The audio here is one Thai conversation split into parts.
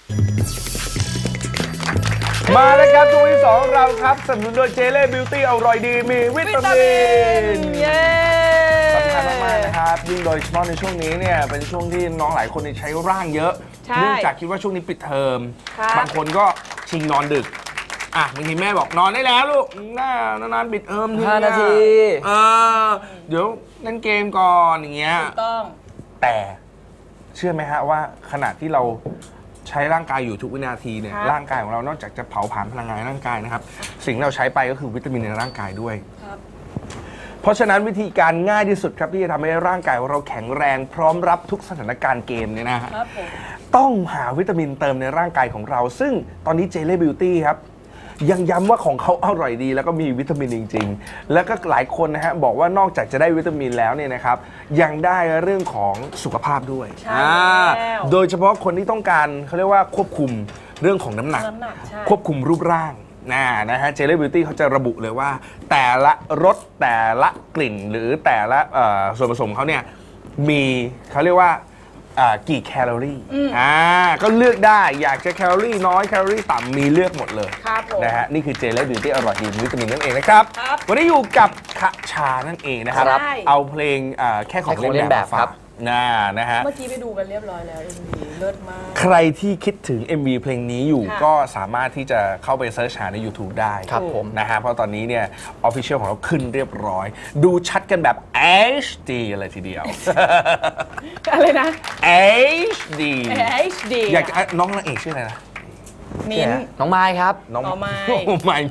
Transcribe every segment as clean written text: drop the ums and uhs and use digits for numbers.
มาแล้วครับช่วงที่2เราครับสนับสนุนโดยเจเล่บิวตี้อร่อยดีมีวิตามินเย้สำคัญมากๆนะครับยิ่งโดยเฉพาะในช่วงนี้เนี่ยเป็นช่วงที่น้องหลายคนใช้ร่างเยอะเนื่องจากคิดว่าช่วงนี้ปิดเทอมบางคนก็ชิงนอนดึกบางทีแม่บอกนอนได้แล้วลูกนานปิดเทอม 5 นาทีเดี๋ยวเล่นเกมก่อนอย่างเงี้ยถูกต้องแต่เชื่อไหมฮะว่าขณะที่เราใช้ร่างกายอยู่ทุกวินาทีเนี่ยร่างกายของเรานอกจากจะเผาผลาญพลังงานร่างกายนะครับสิ่งเราใช้ไปก็คือวิตามินในร่างกายด้วยเพราะฉะนั้นวิธีการง่ายที่สุดครับที่จะทำให้ร่างกายของเราแข็งแรงพร้อมรับทุกสถานการณ์เกมเนี่ยนะฮะต้องหาวิตามินเติมในร่างกายของเราซึ่งตอนนี้เจเล่บิวตี้ครับยังย้ำว่าของเขาอร่อยดีแล้วก็มีวิตามินจริงๆแล้วก็หลายคนนะฮะบอกว่านอกจากจะได้วิตามินแล้วเนี่ยนะครับยังได้เรื่องของสุขภาพด้วยโดยเฉพาะคนที่ต้องการเขาเรียกว่าควบคุมเรื่องของน้ำหนักควบคุมรูปร่างนะฮะเจเล่บิวตี้เขาจะระบุเลยว่าแต่ละรสแต่ละกลิ่นหรือแต่ละส่วนผสมเขาเนี่ยมีเขาเรียกว่ากี่แคลอรี่ก็เลือกได้อยากจะแคลอรี่น้อยแคลอรี่ต่ำมีเลือกหมดเลยนะฮะนี่คือเจเล่บิวตี้อร่อยดีวิตามินนั่นเองนะครับวันนี้อยู่กับคชานั่นเองนะครับเอาเพลงแค่ของเล่นแบบครับนะฮะเมื่อกี้ไปดูกันเรียบร้อยแล้ว MV เลิศมากใครที่คิดถึง MV เพลงนี้อยู่ก็สามารถที่จะเข้าไปเซิร์ชหาใน YouTube ได้ครับผมนะฮะเพราะตอนนี้เนี่ย Official ของเราขึ้นเรียบร้อยดูชัดกันแบบ HD เลยทีเดียวอะไรนะ HD อยากน้องนางเอกชื่ออะไรนะมิ้นน้องไม้ครับน้องไม้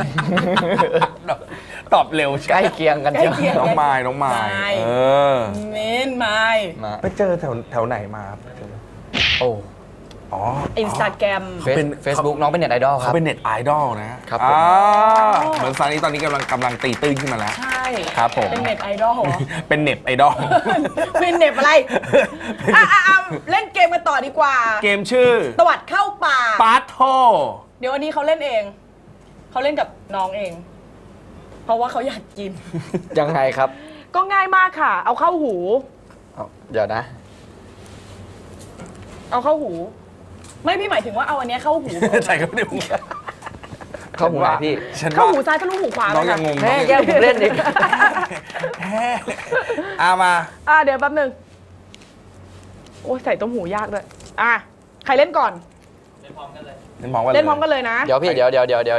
ตอบเร็วใกล้เคียงกันน้องไม้มิ้นไม้ไปเจอแถวไหนมาอินสตาแกรมเป็น Facebook น้องเป็นเน็ตไอดอลครับเขาเป็นเน็ตไอดอลนะครับเหมือนซานี่ตอนนี้กำลังตีตื้นขึ้นมาแล้วใช่ครับผมเป็นเน็ตไอดอลเป็นเน็ตไอดอลเป็นเน็ตอะไรเล่นเกมกันต่อดีกว่าเกมชื่อตวัดเข้าป่าปาโทเดี๋ยววันนี้เขาเล่นเองเขาเล่นกับน้องเองเพราะว่าเขาอยากกินยังไงครับก็ง่ายมากค่ะเอาเข้าหูเดี๋ยวนะเอาเข้าหูไม่พี่หมายถึงว่าเอาอันนี้เข้าหูใช่เข้าหูเข้าหูไหนพี่เข้าหูซ้ายทะลุหูขวาน้องยังงงแม่แย่ผมเล่นดิมาเดี๋ยวแป๊บนึงโอ้ใส่ต้มหูยากด้วยใครเล่นก่อนเล่นพร้อมกันเลยนะเดี๋ยวพี่เดี๋ยว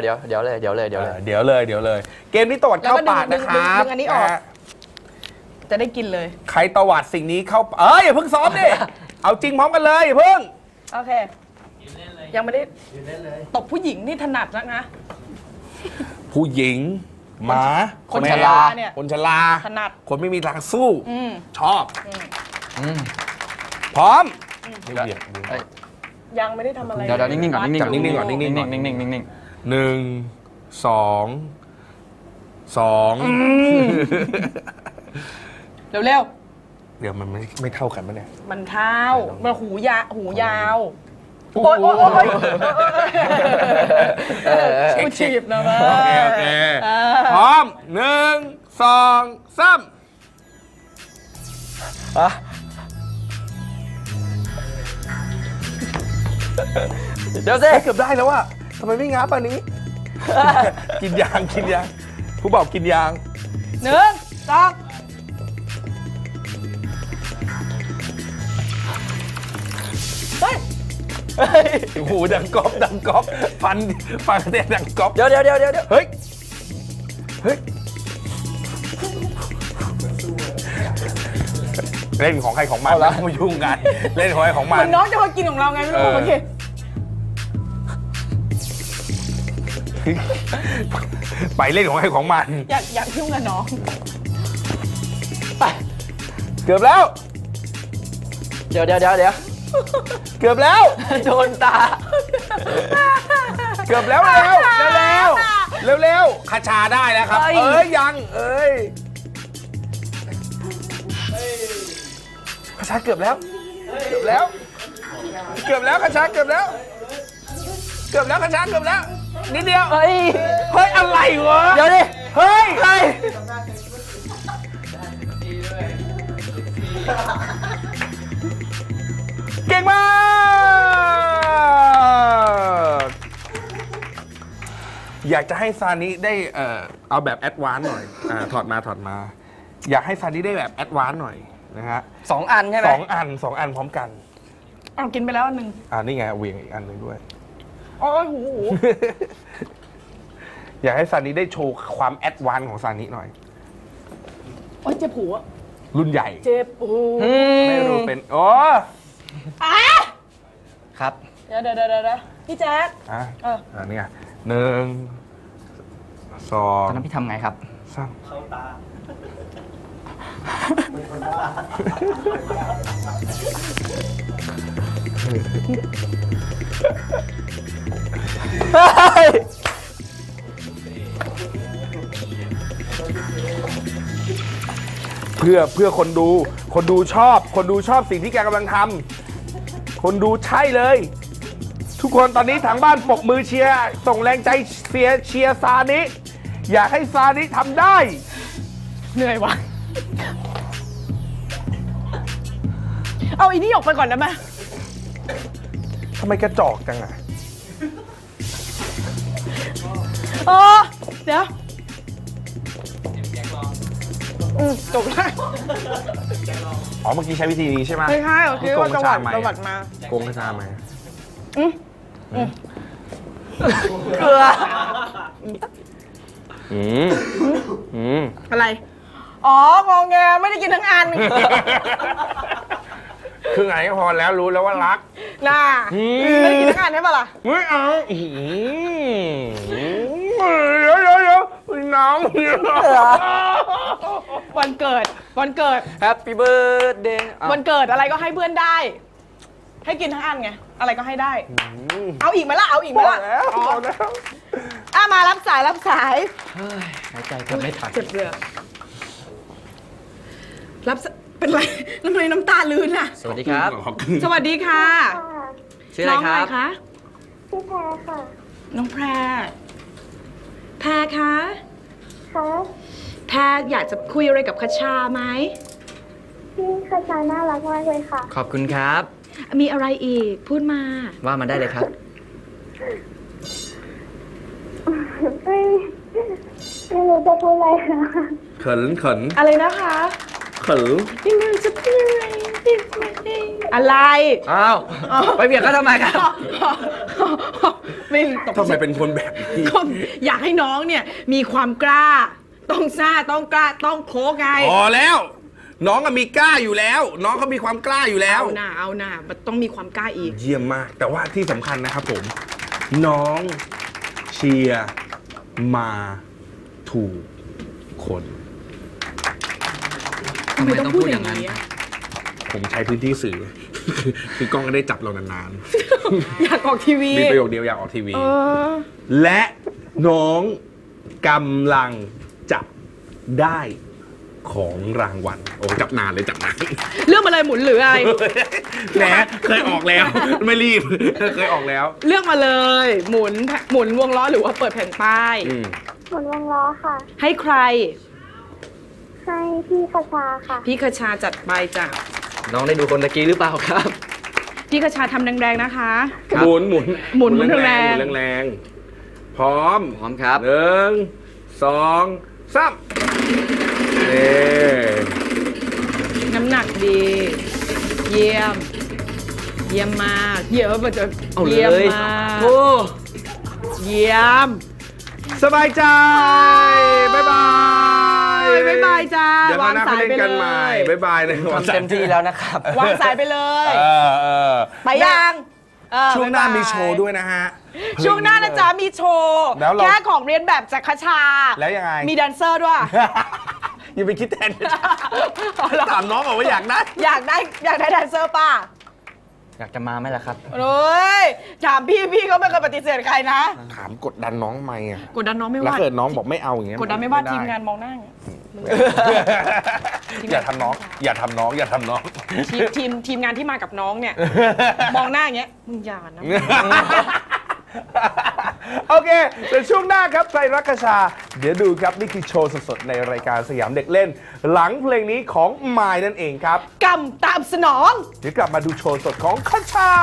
เลยเกมนี้ตวัดเข้าปากนะครับดึงอันนี้ออกจะได้กินเลยใครตวัดสิ่งนี้เข้าอย่าเพิ่งซ้อมดิเอาจริงพร้อมกันเลยอย่าเพิ่งโอเคยังไม่ได้ตบผู้หญิงนี่ถนัดนะผู้หญิงหมาคนชราเนี่ยคนชราถนัดคนไม่มีทางสู้ชอบพร้อมยังไม่ได้ทำอะไรเดี๋ยวนิ่งๆก่อนนิ่งๆก่อนนิ่งๆก่อน 1 2 2 เร็วเดี๋ยวมันไม่เท่ากันปะเนี่ยมันเท่ามันหูยาวโอ๊ยกูฉีบนะมั้ยโอเคพร้อม1 2 3 เดี๋ยวสิเกือบได้แล้วอะทำไมไม่งับอันนี้กินยางผู้บอกกินยาง 1 2 หูดังก๊อบฟันกระเด็นดังก๊อบเดี๋ยวเฮ้ยเล่นของใครของมันแล้วไม่ยุ่งกันเล่นของใครของมันน้องจะมากินของเราไงไม่รู้โอเคไปเล่นของใครของมันอยากยุ่งกับน้องไปเกือบแล้วเดี๋ยวเกือบแล้วโดนตาเกือบแล้วเร็วคาชาได้แล้วครับยังคาชาเกือบแล้วคาชาเกือบแล้วคาชาเกือบแล้วนิดเดียวเฮ้ยอะไรวะเดี๋ยวดิเฮ้ยใครเก่งมากอยากจะให้ซานิได้เอาแบบแอดวานซ์หน่อยถอดมา อยากให้ซานิได้แบบแอดวานซ์หน่อยนะฮะ 2 อันใช่ไหมสองอันพร้อมกันเอากินไปแล้วอันหนึ่งนี่ไงเหวียงอีกอันหนึ่งด้วยโอ้ยหูอยากให้ซานิได้โชว์ความแอดวานซ์ของซานิหน่อยโอ้ยเจ็บหูอะรุ่นใหญ่เจ็บหูไม่รู้เป็นโอ้ครับเดี๋ยวพี่แจ๊คนี่ไง1 ตอนนั้น 2 พี่ทำไงครับ 3 เพื่อคนดูชอบสิ่งที่แกกำลังทำคนดูใช่เลย ทุกคนตอนนี้ทางบ้านปรบมือเชียร์ส่งแรงใจเชียร์ซานิอยากให้ซานิทำได้เหนื่อยวะเอาอีนี่ออกไปก่อนได้ไหมทำไมกระจอกจังอะเดี๋ยวจบแล้วอ๋อเมื่อกี้ใช้วิธีนี้ใช่ไหมไม่ใช่เหรอคิดว่าจังหวัดมาโกงกระชาไหมเกลืออะไร อ๋องอแงไม่ได้กินทั้งอันคือไงก็พอแล้วรู้แล้วว่ารักน่าไม่ได้กินทั้งอันใช่ปะล่ะไม่เอาเดี๋ยวน้ำวันเกิด Happy birthday วันเกิดอะไรก็ให้เพื่อนได้ ให้กินทั้งอันไง อะไรก็ให้ได้ เอาอีกไหมล่ะ เอาอีกไหมพอล่ะแล้วพอแล้วมารับสายเฮ้ยหายใจเกือบไม่ทันเจ็บเรือเป็นไรทำไมน้ำตาลื่นอ่ะสวัสดีครับสวัสดีค่ะชื่ออะไรครับน้องคะชื่อแพรค่ะน้องแพรคะคะแพรอยากจะคุยอะไรกับคชาไหมพี่คชาน่ารักมากเลยค่ะขอบคุณครับมีอะไรอีกพูดมาว่ามาได้เลยครับไม่รู้จะพูดอะไรค่ะเขินอะไรนะคะ ยังไงจะพูดอะไรอ้าว ไปเบียดเขาทำไมครับไม่ตกทำไมเป็นคนแบบนี้อยากให้น้องเนี่ยมีความกล้า ต้องซ่าต้องกล้าต้องโค้งไงพอแล้ว น้องก็มีกล้าอยู่แล้ว น้องเขามีความกล้าอยู่แล้วเอาหน่ามันต้องมีความกล้าอีกเยี่ยมมาก แต่ว่าที่สำคัญนะครับผม น้องเชียร์มาถูกคนทำไมต้องพูดอย่างนี้อะผมใช้พื้นที่สื่อ คือกล้องก็ได้จับเรานานอยากออกทีวีๆมีประโยคเดียวอยากออกทีวีเออและน้องกำลังจับได้ของรางวัล โอ้จับนานเลยจับนานเรื่องอะไรหมุนหรืออะไรแหมเคยออกแล้ว ไม่รีบ เคยออกแล้วเลือกมาเลย หมุนวงล้อหรือว่าเปิดแผ่นป้ายหมุนวงล้อค่ะให้ใครให้พี่คชาค่ะพี่คชาจัดไปจ้ะน้องได้ดูคนตะกี้หรือเปล่าครับพี่คชาทำแรงๆนะคะครับหมุนหมุนแรงๆหมุนแรงๆพร้อมพร้อมครับ 1 2 3นี่น้ำหนักดี เยี่ยม เยี่ยมมากเยี่ยมมันจะเอาเลเยี่ยมยมากโอ้เยี่ยมสบายใจ บ๊ายบายบ๊ายบายจ้าเดี๋ยวคราวหน้าเขาเล่นกันใหม่ บ๊ายบายเลยทำเต็มที่แล้วนะครับวางสายไปเลยเออไปยังเออช่วงหน้าบ๊ยบยมีโชว์ด้วยนะฮะช่วงหน้านะจ๊ะมีโชว์แล้วเราแค่ของเรียนแบบจากคชาแล้วยังไงมีแดนเซอร์ด้วยอย่าไปคิดแทนถามน้องบอกว่าอยากได้อยากได้แดนเซอร์ป่ะอยากจะมาไหมล่ะครับโอ้ยถามพี่ก็ไม่เคยปฏิเสธใครนะถามกดดันน้องไหมอ่ะกดดันน้องไม่แล้วว่าเกิดน้องบอกไม่เอาอย่างเงี้ยกดดันไม่ว่าทีมงานมองหน้าอย่างเงี้ยอย่าทำน้อง อย่าทำน้อง อย่าทำน้องทีมงานที่มากับน้องเนี่ย มองหน้าอย่างเงี้ยมึงอย่านะโอเคเดี๋ยวช่วงหน้าครับใครรักกระชา เดี๋ยวดูครับ นี่คือโชว์สดๆ ในรายการสยามเด็กเล่น หลังเพลงนี้ของมายนั่นเองครับกำตามสนองเดี๋ยวกลับมาดูโชว์สดของกระชา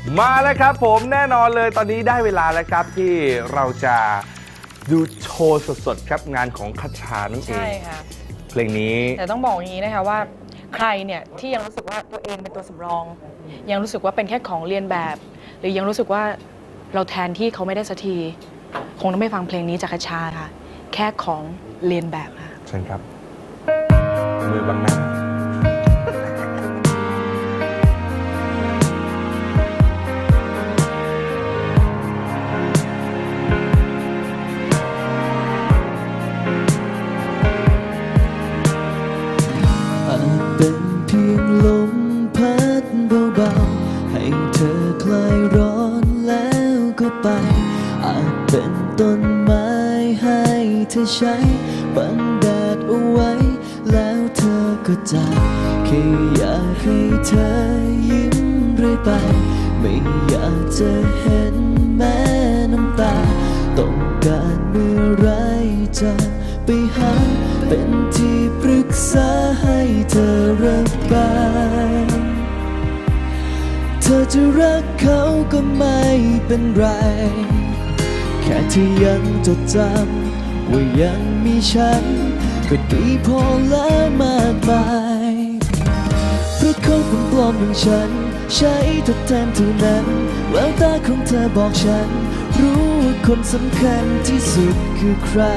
มาแล้วครับผมแน่นอนเลยตอนนี้ได้เวลาแล้วครับที่เราจะดูโชว์สดๆครับงานของคัชชานั่นเองใช่ค่ะเพลงนี้แต่ต้องบอกอย่างนี้นะคะว่าใครเนี่ยที่ยังรู้สึกว่าตัวเองเป็นตัวสำรอง ยังรู้สึกว่าเป็นแค่ของเรียนแบบ หรือยังรู้สึกว่าเราแทนที่เขาไม่ได้สักทีคงต้องไม่ฟังเพลงนี้จากคัชชาค่ะแค่ของเรียนแบบค่ะเชิญครับ มือบังหน้าเป็นเพียงลมพัดเบาๆให้เธอคลายร้อนแล้วก็ไปอาจเป็นต้นไม้ให้เธอใช้บังแดดเอาไว้แล้วเธอก็จากแค่อยากให้เธอยิ้มเรื่อยไปไม่อยากจะเห็นแม้น้ำตาต้องการเมื่อไรจะไปหาเป็นที่ปรึกษาให้เธอระบายเธอจะรักเขาก็ไม่เป็นไรแค่ที่ยังจดจำว่ายังมีฉันก็ดีพอแล้วมากมายเพราะเขาเป็นปลอมอย่างฉันใช้ทดแทนเท่านั้นแววตาของเธอบอกฉันรู้ว่าคนสำคัญที่สุดคือใคร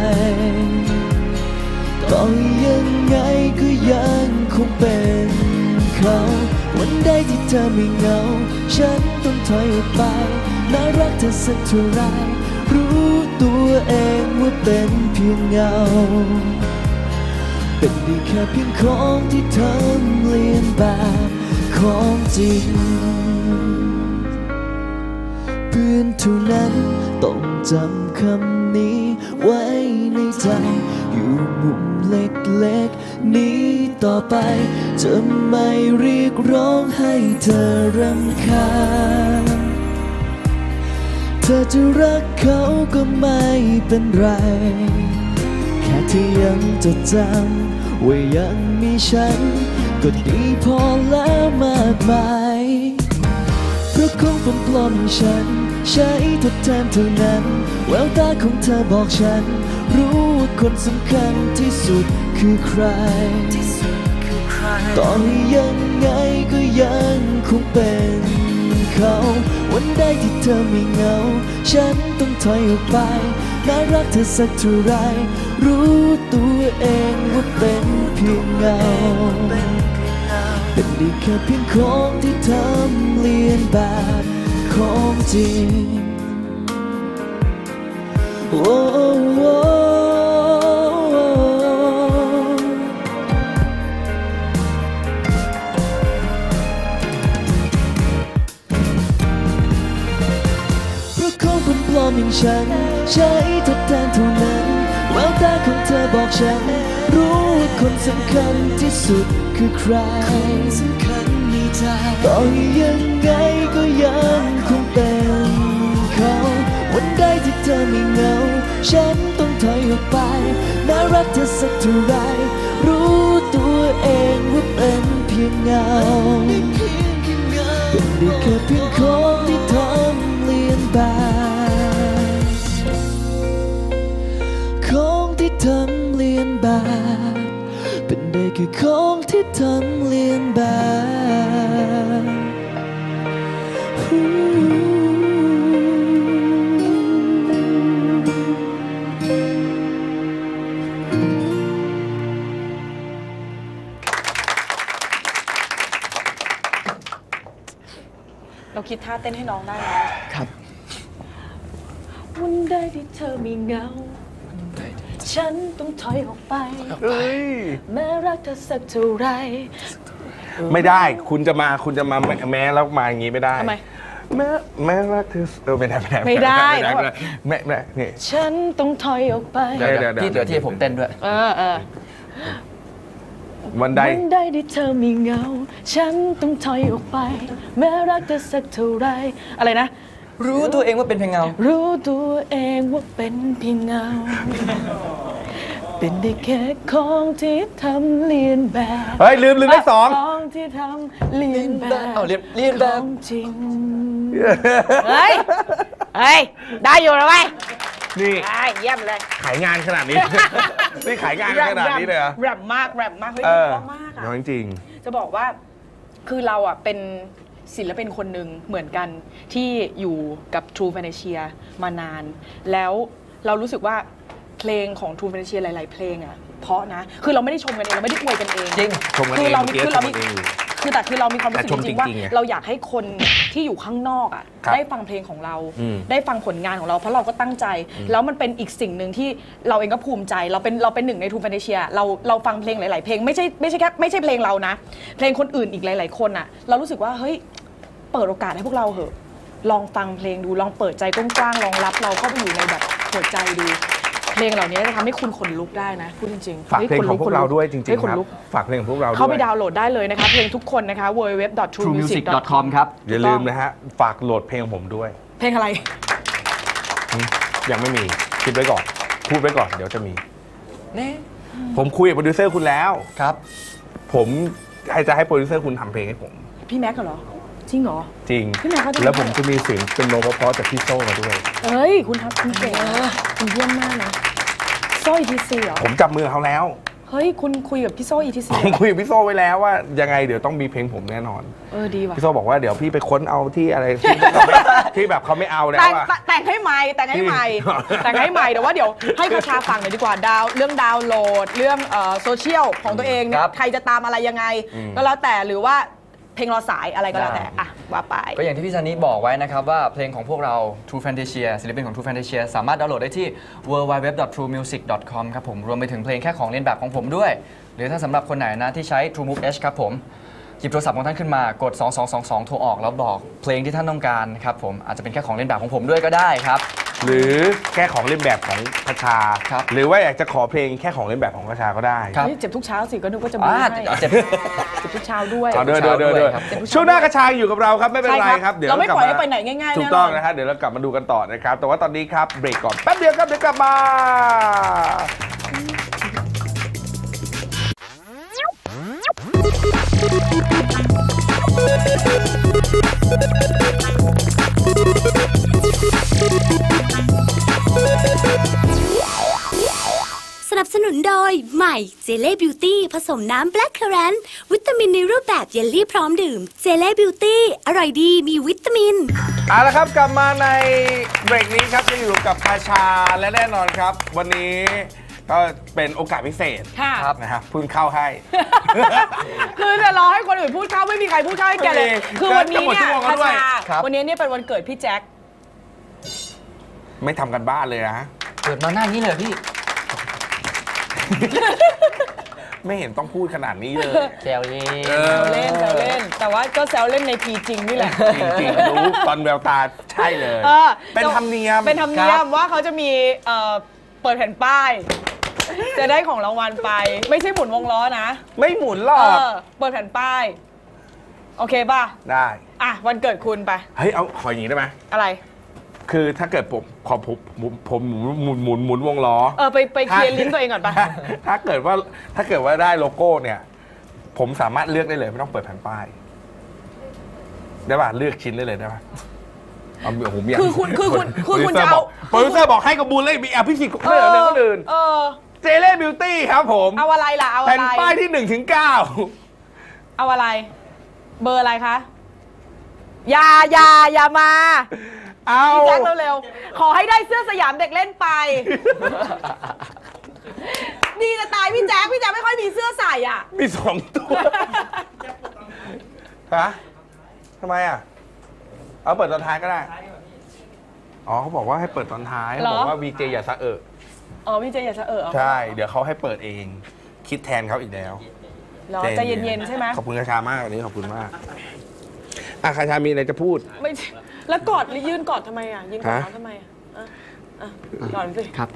ต่อยังไงก็ยังคงเป็นเขาวันใดที่เธอไม่เหงาฉันต้องถอยออกไปน่ารักเธอสักเท่าไรรู้ตัวเองว่าเป็นเพียงเงาเป็นได้แค่เพียงของที่เธอเลียนแบบของจริงเพื่อนเท่านั้นต้องจำคำนี้ไว้ในใจอยู่มุมเล็กๆนี้ต่อไปจะไม่เรียกร้องให้เธอรำคาญเธอจะรักเขาก็ไม่เป็นไรแค่ที่ยังจดจำว่ายังมีฉันก็ดีพอแล้วมากมายเพราะคงเป็นปลอมอย่างฉันใช้ทดแทนเท่านั้นแววตาของเธอบอกฉันรู้ว่าคนสำคัญที่สุดคือใครต่อให้ยังไงก็ยังคงเป็นเขาวันใดที่เธอไม่เหงาฉันต้องถอยออกไปน่ารักเธอสักเท่าไรรู้ตัวเองว่าเป็นเพียงเงาเป็นได้แค่เพียงของที่ทำเลียนแบบของจริงโอ้โอ้ปลอมอย่างฉันใช้ทดแทนเท่านั้นแววตาของเธอบอกฉันรู้ว่าคนสำคัญที่สุดคือใครสำคัญในใจต่อยังไงก็ยังคงเป็นเขาวันใดที่เธอไม่เหงาฉันต้องถอยออกไปน่ารักเธอสักเท่าไรรู้ตัวเองว่าเป็นเพียงเงาเป็นได้แค่เพียงของที่ทำเลียนแบบของที่ทำเลียนแบบเป็นได้แค่ของที่ทำเลียนแบบเราคิดท่าเต้นให้น้องได้ไหมครับวันใดที่เธอมีเงาฉันต้องถอยออกไปแม้รักเธอสักเท่าไรไม่ได้คุณจะมาแม้แล้วมาอย่างนี้ไม่ได้ทำไมแม้รักเธอไม่ได้ไม่ได้ไม่นี่ฉันต้องถอยออกไปเดี๋ยวที่เหลือที่ผมเต้นด้วยวันใดวันใดที่เธอมีเงาฉันต้องถอยออกไปแม้รักเธอสักเท่าไรอะไรนะรู้ตัวเองว่าเป็นเพียงเงารู้ตัวเองว่าเป็นเพียงเงา เป็นได้แค่ของที่ทำเลียนแบบเฮ้ยลืมเลขสองของที่ทำเลียนแบบเอาเลียนแบบของจริงเฮ้ยได้อยู่แล้วไหมนี่ได้เยี่ยมเลยขายงานขนาดนี้ นี่ขายงานขนาดนี้เลยเหรอแรปมากเฮ้ยเพราะมากน้อยจริงจะบอกว่าคือเราอ่ะเป็นศิลปินคนหนึ่งเหมือนกันที่อยู่กับ True Financial มานาน แล้วเรารู้สึกว่าเพลงของ True Financial หลายๆเพลงอ่ะเพราะนะคือเราไม่ได้ชมกันเองเราไม่ได้อวยกันเองจริงชมกันเองคือเรามีเมื่อกี้คือเรามีชมกันเองคือเรามีความรู้สึกแต่ชมจริงๆว่าจริงๆไงเราอยากให้คนที่อยู่ข้างนอกอ่ะครับได้ฟังเพลงของเราอืมได้ฟังผลงานของเราเพราะเราก็ตั้งใจ แล้วมันเป็นอีกสิ่งหนึ่งที่เราเองก็ภูมิใจเราเป็นหนึ่งในทูฟานเชียเราฟังเพลงหลายๆเพลงไม่ใช่แค่ไม่ใช่เพลงเรานะ เพลงคนอื่นอีกหลายๆคนอ่ะเรารู้สึกว่าเฮ้ยเปิดโอกาสให้พวกเราเหอะลองฟังเพลงดูลองเปิดใจกว้างๆลองรับเราเข้าไปอยู่ในแบบหัวใจดูเพลงเหล่านี้จะทำให้คุณขนลุกได้นะพูดจริงๆฝากเพลงของพวกเราด้วยจริงฮ้ๆขคน รับลุกฝากเพลงของพวกเราด้วยเข้าไปดาวน์โหลดได้เลยนะคะเพลงทุกคนนะคะ www.truemusic.com ครับอย่าลืมนะฮะฝากโหลดเพลงของผมด้วยเพลงอะไรยังไม่มีคิดไว้ก่อนพูดไว้ก่อนเดี๋ยวจะมีนี่ผมคุยกับโปรดิวเซอร์คุณแล้วครับผมจะให้โปรดิวเซอร์คุณทำเพลงให้ผมพี่แม็กเหรอจริงเหรอจริงพี่แม็กเขาจะแล้วผมจะมีเสียงเป็นโนเพราะๆจากพี่โซ่มาด้วยเอ้ยคุณทับคุณเก่งนะคุณเยี่ยมมากนะโซ่ ETC เหรอผมจับมือเขาแล้วเฮ้ยคุณคุยกับพี่โซ่ ETC ผมคุยกับพี่โซ่ไว้แล้วว่ายังไงเดี๋ยวต้องมีเพลงผมแน่นอนดีว่ะพี่โซ่บอกว่าเดี๋ยวพี่ไปค้นเอาที่อะไรที่แบบเขาไม่เอาแล้วแต่งให้ใหม่แต่งให้ใหม่ที่แต่งให้ใหม่เดี๋ยวว่าเดี๋ยวให้คาชาฟังหน่อยดีกว่าเรื่องดาวน์โหลดเรื่องโซเชียลของตัวเองเนี่ครัยบใครจะตามอะไรยังไง ก็แล้วแต่หรือว่าเพลงรอสายอะไรก็แล้วแต่อ่ะว่าไปก็อย่างที่พี่ซันนี่บอกไว้นะครับว่าเพลงของพวกเรา True Fantasia ศิลปินของ True Fantasia สามารถดาวน์โหลดได้ที่ www.truemusic.com ครับผมรวมไปถึงเพลงแค่ของเล่นแบบของผมด้วย หรือถ้าสำหรับคนไหนนะที่ใช้ True Move H ครับผมหยิบโทรศัพท์ของท่านขึ้นมากด 2222 โทรออกแล้วบอกเพลงที่ท่านต้องการครับผมอาจจะเป็นแค่ของเล่นแบบของผมด้วยก็ได้ครับหรือแค่ของเล่นแบบของคชาครับหรือว่าอยากจะขอเพลงแค่ของเล่นแบบของคชาก็ได้ครับเจ็บทุกเช้าสิก็นึกว่าจะมีให้เจ็บเจ็บทุกเช้าด้วยเอาเดินครับช่วงหน้ากระชายอยู่กับเราครับไม่เป็นไรครับเราไม่ปล่อยให้ไปไหนง่ายๆถูกแน่นต้ออง นนะฮะเดี๋ยวเรากลับมาดูกันต่อนะครับแต่ว่าตอนนี้ครับเบรกก่อนแป๊บเดียวครับเดี๋ยวกลับมาสนับสนุนโดยใหม่เจเล่บิวตี้ผสมน้ำแบล็คเคอแรนต์วิตามินในรูปแบบเยลลี่พร้อมดื่มเจเล่บิวตี้อร่อยดีมีวิตามินเอาละครับกลับมาในเบรกนี้ครับจะอยู่กับคาชาและแน่นอนครับ วันนี้ก็เป็นโอกาสพิเศษค่ะนะครับเพิ่งเข้าให้คือจะรอให้คนอื่นพูดเข้าไม่มีใครพูดเข้าให้แกเลย คือวันนี้เนี่ยจะหมดชั่วโมงแล้วด้วยครับวันนี้เนี่ยเป็นวันเกิดพี่แจ็คไม่ทำกันบ้านเลยนะเกิดมาหน้านี้เลยพี่ไม่เห็นต้องพูดขนาดนี้เลยแซวเล่นเออแซวเล่น แต่ว่าก็แซวเล่นในพีจริงนี่แหละจริงๆรู้ตอนแววตาใช่เลยเออเป็นธรรมเนียมเป็นธรรมเนียมว่าเขาจะมีเปิดแผ่นป้าย จะได้ของรางวัลไป ไม่ใช่หมุนวงล้อนะไม่หมุนหรอกเปิดแผ่นป้าย โอเคป่ะได้อ่ะวันเกิดคุณไปเฮ้ยเอาขออย่างนี้ได้ไหมอะไรคือถ้าเกิดผมหมุนวงล้อไปเคลียร์ลิ้นตัวเองก่อนป่ะถ้าเกิดว่าได้โลโก้เนี่ย ผมสามารถเลือกได้เลยไม่ต้องเปิดแผ่นป้ายได้ป่ะเลือกชิ้นได้เลยได้ป่ะเอาผมอยากคือคุณจะเอาโปรดิวเซอร์บอกให้กระบุลเลยมีอภิสิทธิ์ไม่เหรอเนี่ยคนอื่นเจเล่บิวตี้ครับผมเอาอะไรล่ะ เอาอะไรแผ่นป้ายที่1 ถึง 9 เอาอะไร เบอร์อะไรคะอย่ามาเอาพี่แจ็คเร็วๆ ขอให้ได้เสื้อสยามเด็กเล่นไป ดีจะตายพี่แจ็คไม่ค่อยมีเสื้อใส่อ่ะมี2 ตัวฮะทำไมอ่ะเอาเปิดตอนท้ายก็ได้อ๋อเขาบอกว่าให้เปิดตอนท้ายเหรอบอกว่าวีเจอย่าสะเอะอ๋อพี่เจอย่าจะเอาใช่ เดี๋ยวเขาให้เปิดเอง คิดแทนเขาอีกแล้วเหรอใจเย็นๆใช่ไหมขอบคุณคาชามากวันนี้ขอบคุณมากอ่ะคาชามีอะไรจะพูดไม่ใช่แล้วกอดหรือยืนกอดทำไมอ่ะยืนกอดฮะเขาทำไมอ่ะกอดสิครับ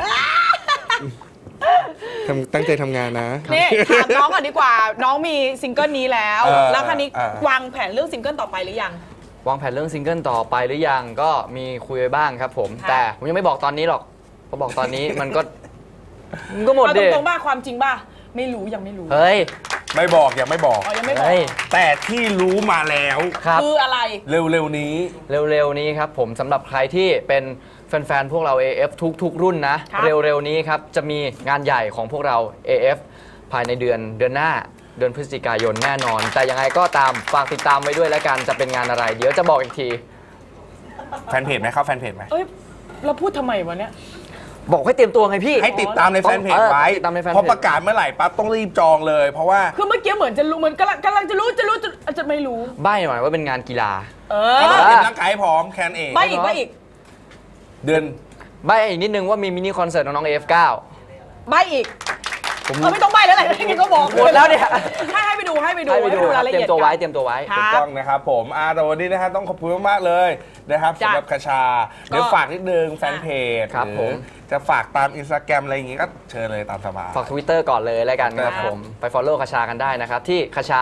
ตั้งใจทำงานนะนี่ถามน้องก่อนดีกว่า น้องมีซิงเกิลนี้แล้วเออแล้วคันนี้เออวางแผนเรื่องซิงเกิลต่อไปหรือยังวางแผนเรื่องซิงเกิลต่อไปหรือยังก็มีคุยไว้บ้างครับผมค่ะแต่ผมยังไม่บอกตอนนี้หรอกเพราะบอกตอนนี้มันก็หมดเอาดิตรงๆบ้าความจริงบ้าไม่รู้ยังไม่รู้เฮ้ยไม่บอกยังไม่บอกอ๋อยังไม่บอกเฮ้ยแต่ที่รู้มาแล้วครับคืออะไรเร็วๆนี้เร็วๆนี้ครับผมสำหรับใครที่เป็นแฟนๆพวกเรา AF ทุกรุ่นนะครับเร็วๆนี้ครับจะมีงานใหญ่ของพวกเรา AF ภายในเดือนหน้าเดือนพฤศจิกายนแน่นอน แต่ยังไงก็ตามฝากติดตามไว้ด้วยแล้วกันจะเป็นงานอะไร เดี๋ยวจะบอกอีกทีแฟนเพจไหมเข้าแฟนเพจไหมเอ้ยเราพูดทำไมวะเนี่ยบอกให้เตรียมตัวไงพี่ให้ติดตามในแฟนเพจไว้ติดตามในแฟนเพจพอประกาศเมื่อไหร่ปั๊บต้องรีบจองเลย เพราะว่าคือเมื่อกี้เหมือนจะรู้เหมือนกำลังจะรู้จะไม่รู้ใบ้หน่อยว่าเป็นงานกีฬาเอก็อต้องเตรียมร่างกายให้พร้อมแคนเองใบอีกใบอีกเดือนใบ้อีกนิดนึงว่ามีมินิคอนเสิร์ตน้องๆ AF9 ใบอีกไม่ต้องใบแล้วแหละนี่ก็บอกหมดแล้วเนี่ยให้ไปดูให้ไปดูรายละเตรีเอียยดมตัวไว้กันเตรียมตัวไว้ครับถูกต้องนะครับผมแต่วันนี้นะฮะต้องขอบคุณมากๆเลยนะครับจ้ะสำหรับคชาเดี๋ยวฝากนิดนึงแฟนเพจครับหอผมจะฝากตามอินสตาแกรมอะไรอย่างงี้ก็เชิญเลยตามสบายฝาก Twitter ก่อนเลยแล้วกันครับครับผมไป follow คชากันได้นะครับที่คชา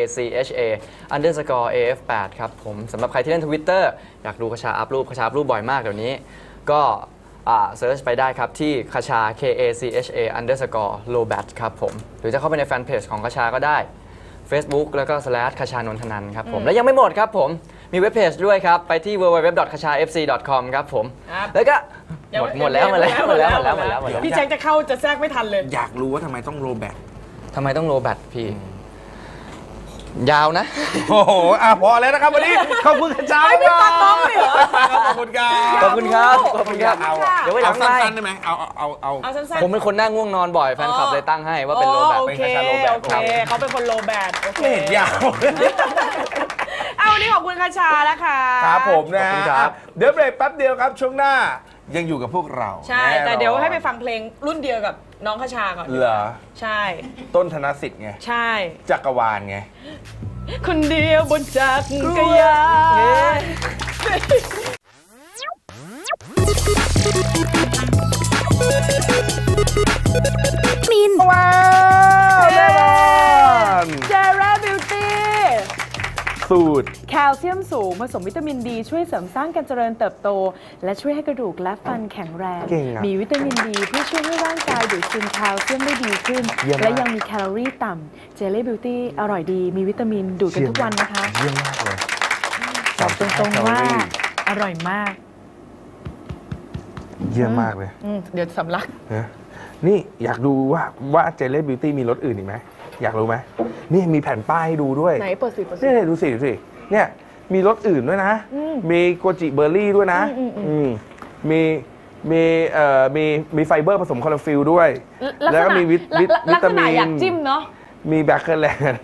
KACHA_AF8 ครับผมสำหรับใครที่เล่น Twitter อยากดูคชาอัพรูปบ่อยมากเดี๋ยวนี้ ก็เซิร์ชไปได้ครับที่คชา KACHA_Lobat ครับผมหรือจะเข้าไปในแฟนเพจของคชาก็ได้ Facebook แล้วก็/คชานนทนันครับผมและยังไม่หมดครับผมมีเว็บเพจด้วยครับไปที่ www.kachafc.com ครับผมครับแล้วก็หมดแล้วพี่แจ็คจะเข้าจะแทรกไม่ทันเลยอยากรู้ว่าทำไมต้องโรแบตทำไมต้องโลแบตพี่ ยาวนะโอ้โหพอแล้วนะครับวันนี้ขอบคุณคชาไม่ฟังน้องเลยเหรอขอบคุณครับขอบคุณครับขอบคุณครับเอาเดี๋ยวไว้หลังไมค์สั้นๆได้ไหมเอาเอาสั้นๆผมเป็นคนนั่งง่วงนอนบ่อยแฟนคลับเลยตั้งให้ว่าเป็นโลแบตโอเป็นเคคชาโลแบตโอเคเขาเป็นคนโลแบดโอเคไม่เห็นยาวเอาวันนี้ขอบคุณคชาแล้วค่ะครับผมนะขอบคุณครัฮะบเดี๋ยวเบรกแป๊บเดียวครับช่วงหน้ายังอยู่กับพวกเราใช่น่นอนแต่เดี๋ยวให้ไปฟังเพลงรุ่นเดียวกับน้องคชาก่อนเหรอใช่ต้นธนสิทธิ์ไงใช่จักรวาลไงคนเดียวบนจักรยานมินว้าวแน่นอนเจราบิวตี้สูตรแคลเซียมสูงผสมวิตามินดีช่วยเสริมสร้างการเจริญเติบโต และช่วยให้กระดูกและฟันแข็งแรงเก่งอะมีวิตามินดีเพื่อช่วยให้ร่างกายดูดซึมแคลเซียมได้ดีขึ้นเยี่ยมมากและยังมีแคลอรี่ต่ำเจลลี่บิวตี้อร่อยดีมีวิตามินดูดกันทุกวันนะคะเยี่ยมมากเลยบอกตรงๆว่าอร่อยมากเยี่ยมมากเลยเดี๋ยวสำลักนะนี่อยากดูว่าเจล l ่บิวตี้มีรสอื่นอีกไหมอยากรู้ไหมนี่มีแผ่นป้ายให้ดูด้วยไหนเปิดสิเปิดสินี่ดูสิเนี่ยมีรสอื่นด้วยนะ มีโกจิเบอร์รี่ด้วยนะมีไฟเบอร์ผสมคลอโรฟิลด้วย แล้วก็มีวิตามินอยากจิ้มเนาะมีแบคเคอร์แลนด์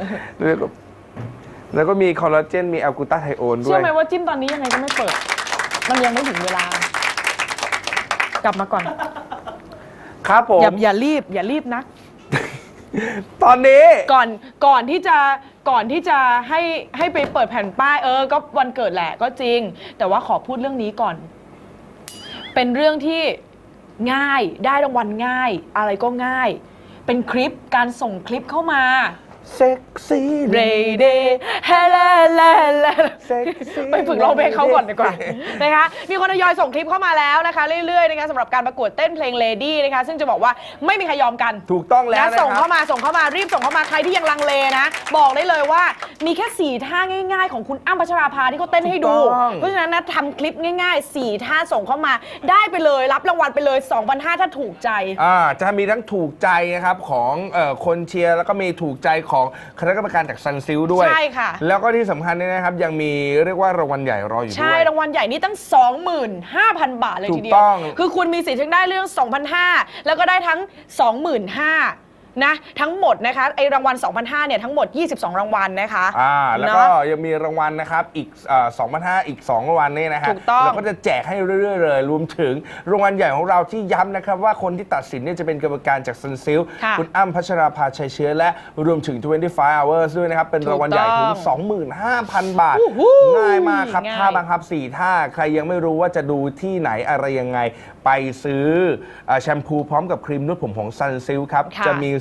แล้วก็มีคอลลาเจนมีแอลกูตาไทโอนด้วเชื่อย ไหมว่าจิ้มตอนนี้ยังไงก็ไม่เปิด มันยังไม่ถึงเวลา กลับมาก่อนครับผมอย่ารีบนักตอนนี้ก่อนที่จะให้ไปเปิดแผ่นป้ายก็วันเกิดแหละก็จริง แต่ว่าขอพูดเรื่องนี้ก่อน เป็นเรื่องที่ง่ายได้รางวัลง่าย อะไรก็ง่าย เป็นคลิปการส่งคลิปเข้ามาเซ็กซี่เรเดเฮลลไปฝึกร้องเพลงเขาก่อนดีกว่า นะคะมีคนทยอยส่งคลิปเข้ามาแล้วนะคะเรื่อยๆนะคะสำหรับการประกวดเต้นเพลง Lady นะคะซึ่งจะบอกว่าไม่มีใครยอมกันถูกต้องแล้วนะครับส่งเข้ามารีบส่งเข้ามาใครที่ยังลังเลนะ บอกได้เลยว่ามีแค่4ท่าง่ายๆของคุณอ้ำพัชราภาที่เขาเต้นให้ดู เพราะฉะนั้นนะทำคลิปง่ายๆ4ท่าส่งเข้ามาได้ไปเลยรับรางวัลไปเลย 2,500 ถ้าถูกใจจะมีทั้งถูกใจนะครับของคนเชียร์แล้วก็มีถูกใจของคณะกรรมการจากซันซิลด้วยใช่ค่ะแล้วก็ที่สำคัญเนี่ยนะครับยังมีเรียกว่ารางวัลใหญ่รออยู่ด้วยใช่รางวัลใหญ่นี่ตั้ง 25,000 บาทเลยทีเดีถูกต้องคือคุณมีสิทธิ์ทั้งได้เรื่อง 2,500 แล้วก็ได้ทั้ง 25,000 นะทั้งหมดนะคะไอรางวัล 2,500 เนี่ยทั้งหมด 22 รางวัลนะคะแล้วก็ยังมีรางวัลนะครับอีก2,500 อีก2รางวัลนี่นะฮะถูกต้องเราก็จะแจกให้เรื่อยๆเลยรวมถึงรางวัลใหญ่ของเราที่ย้ำนะครับว่าคนที่ตัดสินเนี่ยจะเป็นกรรมการจากซันซิลค่ะคุณอ้ำพัชราภาชัยเชื้อและรวมถึง 25 hours ด้วยนะครับเป็นรางวัลใหญ่ถึง 25,000 บาท ง่ายมากครับง่ายท่าบังคับ4ท่าใครยังไม่รู้ว่าจะดูที่ไหนอะไรยังไงไปซื้อแชมพูพร้อมกับครีมนวดผมของซันซิลครับค่ะจะมี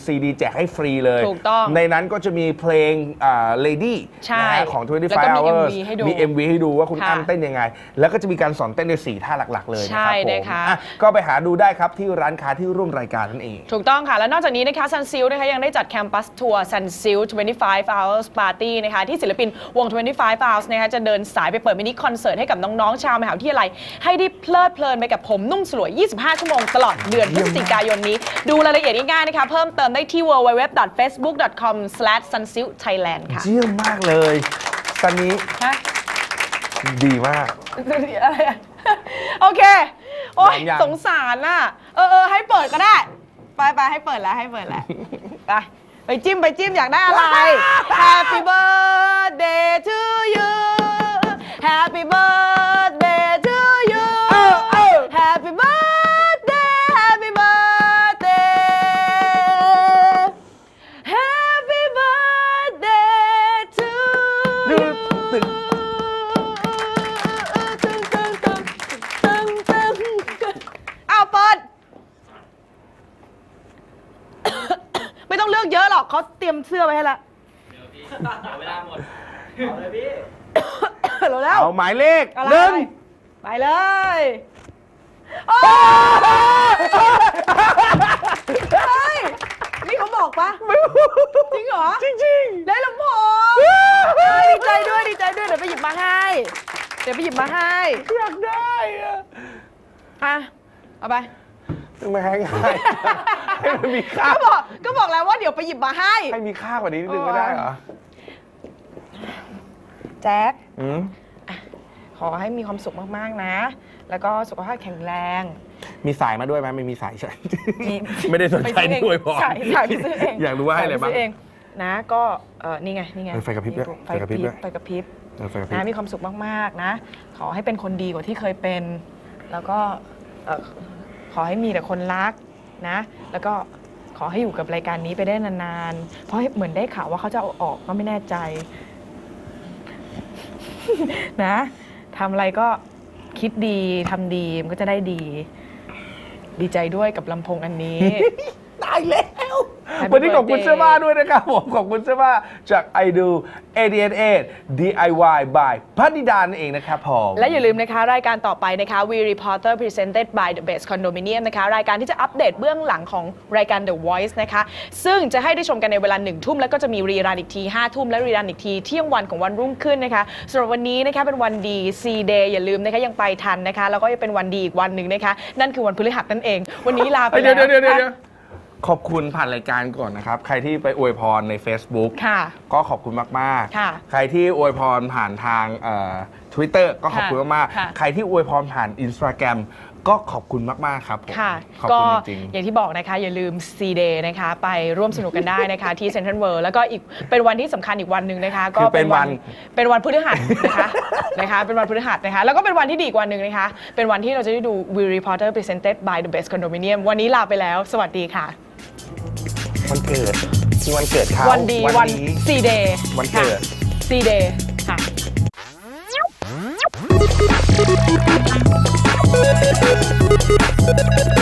ซีดีแจกให้ฟรีเลยถูกต้องในนั้นก็จะมีเพลงLady ใช่นะฮะของแล้วก็ 25 มี hours MV ให้ดูมี MV ให้ดูว่าคุณค่ะอ้ำเต้นยังไง แล้วก็จะมีการสอนเต้นใน4ท่าหลักๆเลยนะใช่ครับผมนะคะอ่ะก็ไปหาดูได้ครับที่ร้านค้าที่ร่วมรายการนั่นเองถูกต้องค่ะ และนอกจากนี้นะคะ Sunsilk นะคะยังได้จัดแคมปัสทัวร์ Sunsilk 25 hours party นะคะที่ศิลปินวง 25 hours นะคะจะเดินสายไปเปิดมินิคอนเสิร์ตให้กับน้องๆชาวมหาวิทยาลัยให้ได้เพลิดเพลินไปกับผมนุ่มสลวย 25 ชั่วโมงตลอดเดือนพฤศจิกายนนี้ ดูรายละเอียดง่ายๆนะคะเพิ่มเติมได้ที่ www.facebook.com/sunsilkthailand ค่ะเยี่ยมมากเลยซันนี้ฮะดีมากอะไรอะโอเค โอ๊ยยังสงสารน่ะให้เปิดก็ได้ ไปให้เปิดแล้วไปจิ้มอยากได้อะไร Happy birthday to you Happy birthday to you Happy birthday Happy birthday Happy birthday to you เอาเปิด ไม่ต้องเลือกเยอะหรอกเขาเตรียมเสื้อไว้ให้ละเวลาหมดเอาเลยพี่แล้วเอาหมายเลขอะไรหนึ่งไปเลยโอ้เฮ้ยนี่เขาบอกปะจริงเหรอจริงได้ลำโพงดีใจด้วยเดี๋ยวไปหยิบมาให้อยากได้อะเอาไปๆไม่ให้ง่ายให้มันมีค่าก็บอกแล้วว่าเดี๋ยวไปหยิบมาให้ให้มีค่ากว่านี้นิดนึงไม่ได้เหรอแจ็คอืมขอให้มีความสุขมากๆนะ แล้วก็สุขภาพแข็งแรงมีสายมาด้วยไหมไม่มีสายใช่มีไม่ได้สนใจนี่อวยพรสายไปซื้อเองอยากรู้ว่าให้อะไรบ้างสยปซื้เองนะก็นี่ไงไฟกระพริบด้วยไฟกระพริบไฟกระพริบนะมีความสุขมากๆนะ ขอให้เป็นคนดีกว่าที่เคยเป็น แล้วก็ขอให้มีแต่คนรักนะ แล้วก็ขอให้อยู่กับรายการนี้ไปได้นานๆเพราะเหมือนได้ข่าวว่าเขาจะเอาออกก็ไม่แน่ใจ นะทำอะไรก็คิดดีทำดีมันก็จะได้ดี ดีใจด้วยกับลำโพงอันนี้ตายแล้ว วันนี้ขอบคุณเสื้อผ้าด้วยนะครับผมขอบคุณเสื้อผ้าจาก I Do 888 DIY by พัฒนิดานั่นเองนะครับผมและอย่าลืมนะคะรายการต่อไปนะคะ We Reporter Presented by The Best Condominium นะคะรายการที่จะอัปเดตเบื้องหลังของรายการ The Voice นะคะซึ่งจะให้ได้ชมกันในเวลา 1 ทุ่มแล้วก็จะมีรีรันอีกที 5 ทุ่มและรีรันอีกทีเที่ยงวันของวันรุ่งขึ้นนะคะสำหรับวันนี้นะคะเป็นวันดี C Day อย่าลืมนะคะยังไปทันนะคะแล้วก็ยังเป็นวันดีอีกวันหนึ่งนะคะนั่นคือวันพฤหัสนั่นเอง วันนี้ลาไปแล้วเดี๋ยวขอบคุณผ่านรายการก่อนนะครับ ใครที่ไปอวยพรใน Facebook ค่ะก็ขอบคุณมากค่ะๆ ใครที่อวยพรผ่านทางTwitter ก็ขอบคุณมากค่ะๆ ใครที่อวยพรผ่าน Instagram ก็ขอบคุณมากๆครับผมค่ะขอบก็คุณจริงอย่างที่บอกนะคะอย่าลืม C Day นะคะไปร่วมสนุกกันได้นะคะ ที่ Central World แล้วก็อีกเป็นวันที่สำคัญอีกวันหนึ่งนะคะก็คือเป็นวันเป็นวันพฤหัสนะคะนะคะเป็นวันพฤหัสนะคะแล้วก็เป็นวันที่ดีอีกวันหนึ่งนะคะเป็นวันที่เราจะได้ดู We Reporter Presented by The Best Condominium วันนี้ลาไปแล้วสวัสดีค่ะวันเกิดที่วันเกิดเขาวันดีวันนี้ C Day วันเกิด C Day ค่ะ